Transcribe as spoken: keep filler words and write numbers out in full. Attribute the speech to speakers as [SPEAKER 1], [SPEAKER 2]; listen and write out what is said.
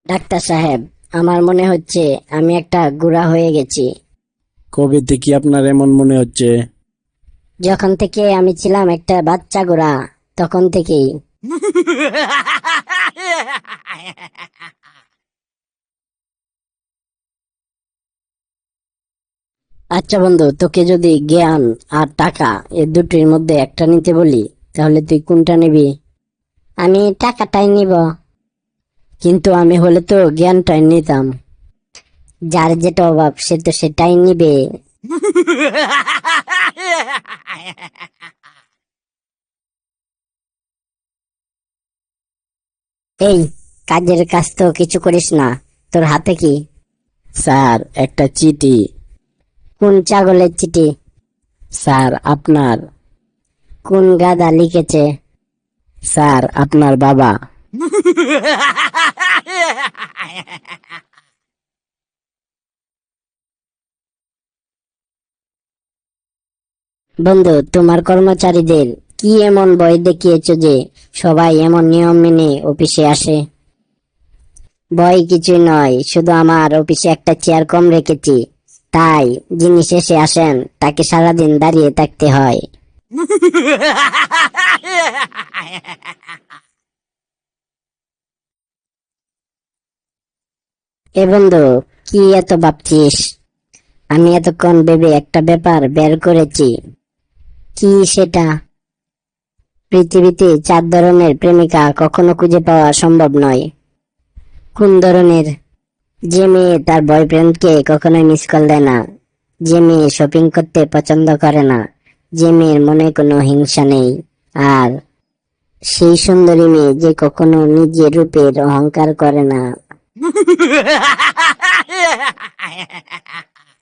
[SPEAKER 1] Doctor সাহেব, আমার মনে হচ্ছে আমি একটা গুড়া হয়ে গেছি।
[SPEAKER 2] কবে থেকে আপনার এমন মনে হচ্ছে?
[SPEAKER 1] যখন থেকে আমি ছিলাম একটা বাচ্চা গুড়া, তখন থেকেই। আচ্ছা বন্ধু, তোকে যদি জ্ঞান আর টাকা এ দুটির মধ্যে একটা নিতে বলি, তাহলে তুই কোনটা নিবি? আমি টাকাটাই নিব। কিন্তু আমি হলে তো জ্ঞানটাই নিতাম। যার যেটা অভাব সে তো সেটাই নিবে। এই, কাজের কাজ তো কিছু করিস না, তোর হাতে কি?
[SPEAKER 2] স্যার, একটা চিঠি।
[SPEAKER 1] কোন ছাগলের চিঠি?
[SPEAKER 2] স্যার, আপনার।
[SPEAKER 1] কোন গাধা লিখেছে?
[SPEAKER 2] স্যার, আপনার বাবা।
[SPEAKER 1] বন্ধু, তোমার কর্মচারীদের কি এমন ভয় দেখিয়েছ যে সবাই এমন নিয়ম মেনে অফিসে আসে? ভয় কিছুই নয়, শুধু আমার অফিসে একটা চেয়ার কম রেখেছি, তাই যিনি শেষে আসেন তাকে সারাদিন দাঁড়িয়ে থাকতে হয়। এ বন্ধু, কি এত ভাবছিস? আমি এতক্ষণ ভেবে একটা ব্যাপার বের করেছি। কি সেটা? পৃথিবীতে চার ধরনের প্রেমিকা কখনো খুঁজে পাওয়া সম্ভব নয়। কোন ধরনের? যে মেয়ে তার বয়ফ্রেন্ডকে কখনোই মিস কল দেয় না, যে মেয়ে শপিং করতে পছন্দ করে না, যে মেয়ের মনে কোনো হিংসা নেই, আর সেই সুন্দরী মেয়ে যে কখনো নিজের রূপের অহংকার করে না।